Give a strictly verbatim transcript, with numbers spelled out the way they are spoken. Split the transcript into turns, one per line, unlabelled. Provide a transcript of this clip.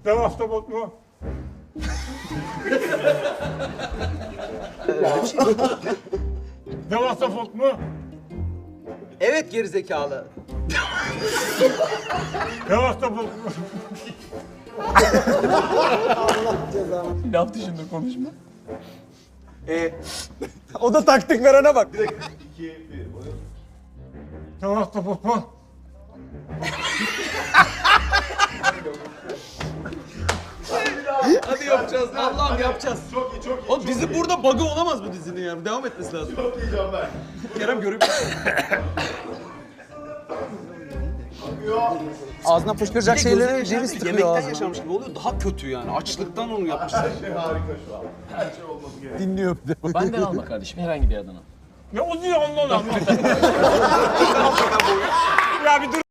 Dev ahtapot mu? Dev ahtapot mu?
Evet gerizekalı.
Dev ahtapot mu?
Laf dışında konuşma.
Ee,
O da taktik verene bak.
Dev ahtapot mu?
hadi yapacağız. Allah'ım yapacağız.
Çok iyi, çok iyi.
Oğlum dizi burada bug'ı olamaz bu dizinin ya. Devam etmesi lazım.
Çok iyi Canberk.
Kerem görüp...
Ağzına fışkıracak şeyleri ceviz tıkıyor
Yemekten
ağzına.
yaşamış gibi oluyor. Daha kötü yani. Açlıktan onu yapmışlar.
Her şey harika şu an. Her şey olması gerekiyor.
Dinliyor bir de.
Benden alma kardeşim herhangi bir adını.
Ne o diyor ondan anlamadım. Ya bir dur.